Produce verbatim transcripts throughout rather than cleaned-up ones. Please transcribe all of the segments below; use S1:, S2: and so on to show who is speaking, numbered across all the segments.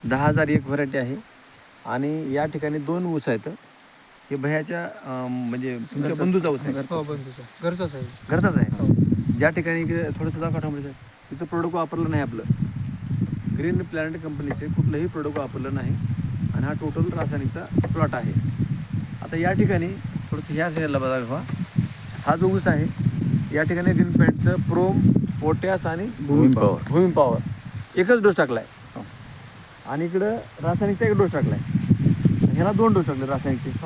S1: दहा हजार एक व्हरायटी आहे आणि या ठिकाणी दोन ऊस आहेत. हे भयाच्या अं, म्हणजे तुमच्या बंधूचा ऊस आहे.
S2: हो बंधूचा घरचाच आहे.
S1: घरचाच आहे. ज्या ठिकाणी थोडंसं दाखवा थांबलं तिथं प्रोडक्ट वापरलं नाही आपलं. ग्रीन प्लॅनेट कंपनीचे कुठलंही प्रोडक्ट वापरलं नाही आणि हा टोटल रासायनिकचा प्लॉट आहे. आता या ठिकाणी थोडंसं ह्या साईडला बघा, हा जो ऊस आहे या ठिकाणी ग्रीन प्लॅनेटचं प्रोम, पोटॅश आणि
S3: भूमी पॉवर
S1: भूमी पॉवर एकच डोस टाकला आहे आणि इकडं रासायनिकचा एक डोस टाकला आहे. ह्याला दोन डोस टाकले रासायनिकचे.
S2: हो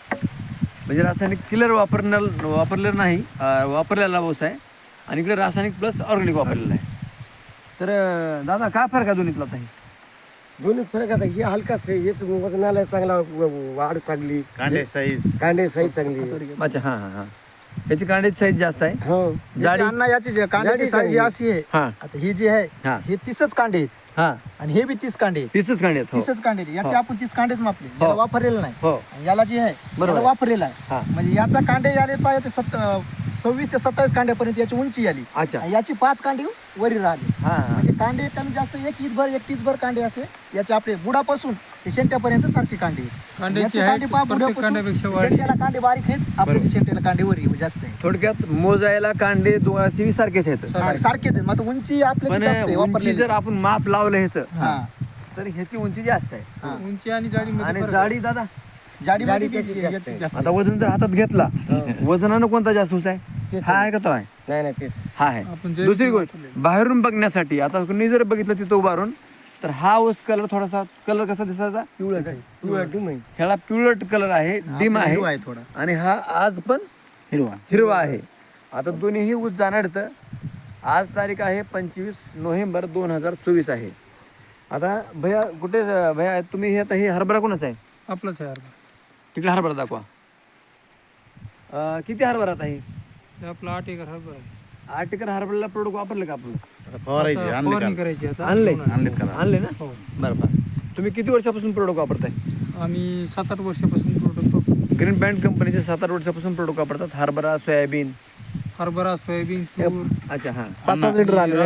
S1: म्हणजे रासायनिक किलर वापरणार वापरलेलं नाही, अं, वापरलेला ऊस आहे आणि इकडे रासायनिक प्लस ऑर्गॅनिक वापरलेलं आहे. तर अं, दादा काय फरक आहे दोन्हीतला आता? हे
S4: दोन्ही फरक आता हे हलकाच आहे, हेच वजनाला चांगला व- वाढ चांगली,
S3: कांडे साईज
S4: कांडे साईज चांगली.
S1: अच्छा हां हां हां ह्याची कांड्याची साईज जास्त आहे.
S4: हो
S1: जाडी
S2: अण्णा याची जे कांड्याची
S4: जाडी
S2: साईज
S4: चांगली.
S2: अशी आहे.
S1: हां
S2: आता ही जी आहे
S1: हां
S2: हे तीसच कांडे आहेत
S1: हां
S2: आणि हे बी तीस कांडे आहेत.
S1: तीसच कांडे आहेत. हो
S2: तीसच कांडे आहेत. याचे
S1: हो.
S2: आपण तीस कांडेच मापले, याला वापरलेलं नाही.
S1: हो
S2: आणि याला जे आहे
S1: बरोबर
S2: याला
S1: आहे.
S2: वापरलेला
S1: हां.
S2: आहे. म्हणजे याचा कांडे आले पाहिजे ते सत्त सव्वीस ते सत्तावीस कांड्यापर्यंत याची उंची आली
S1: अच्छा
S2: आणि याची पाच कांडे वरी राहिली.
S1: हां हां
S2: म्हणजे कांडे कमी जास्त एक भर एक भर कांडे असे याचे आपले बुडापासून ते शेंट्यापर्यंत सारखे कांडे आहेत.
S5: कांड्याची
S2: याचे
S5: height
S2: कांडे पहा
S5: प्रत्येक
S2: बुडापासून
S5: कांड्यापेक्षा वाढली.
S2: शेंट्याला कांडे बारीक आहेत, आपल्या शेंट्याला कांडे वरी जास्त आहे.
S1: थोडक्यात मोजायला कांडे दोघांचे सारखेच आहेत.
S2: हा, सारखेच आहे. मग आता उंची आपल्या
S1: पण
S2: जास्त आहे
S1: उंची
S2: वापरलेली.
S1: जर आपण माप लावलं ह्याचं
S2: हा
S1: तर ह्याची उंची जास्त आहे
S2: हा.
S5: उंची आणि जाडी
S1: आणि जाडी दादा
S2: जाडी
S4: जाडी
S2: मध्ये
S4: त्याची
S2: बी
S4: जास्त
S2: याची
S4: आहे.
S2: जास्त
S1: आता वजन जर हातात घेतला वजनानं कोणता जास्त ऊस आहे?
S4: तेच
S1: हा
S4: आहे.
S1: आहे का तो आहे?
S4: नाही नाही तेच
S1: हा आहे.
S5: आपण जे
S1: दुसरी गोष्ट बाहेरून बघण्यासाठी आता कुणी जर बघितलं तिथं उभारून तर हा ऊस कलर थोडासा कलर कसा दिसायचा?
S4: पिवळा पिवळा डिम आहे.
S1: ह्याला पिवळट कलर आहे, डिम आहे
S2: हिरवा आहे थोडा.
S1: आणि हा आज पण
S2: हिरवा
S1: हिरवा आहे. आता दोन्हीही ऊस जाणार तर आज तारीख आहे पंचवीस नोव्हेंबर दोन हजार चोवीस आहे. आता भैया कुठे भैया तुम्ही हे आता हे हरभरा कोणाचा आहे?
S5: आपलाच आहे हरभरा.
S1: तिकडे हरभरा दाखवा. अं, किती हरभरा आता हे?
S5: हे आपला आठ एकर हरभरा आहे.
S1: आठ एकर हरभऱ्याला प्रोडक्ट वापरलं का आपलं?
S3: आता फवारायचे
S5: आता
S3: आणले
S5: फवारणी
S3: का?
S5: करायची आता.
S1: आणले
S3: आणलेत का?
S1: आणले ना
S5: हो.
S1: बरं बरं. तुम्ही किती वर्षापासून प्रोडक्ट वापरताय?
S5: आम्ही सात आठ वर्षापासून प्रोडक्ट वापरतो.
S1: ग्रीन पॅन्ट कंपनीचे सात आठ वर्षापासून प्रोडक्ट वापरतात. हरभरा, सोयाबीन.
S5: हरभरा, सोयाबीन, तूर.
S1: अच्छा हां
S4: पाच पाच लिटर आले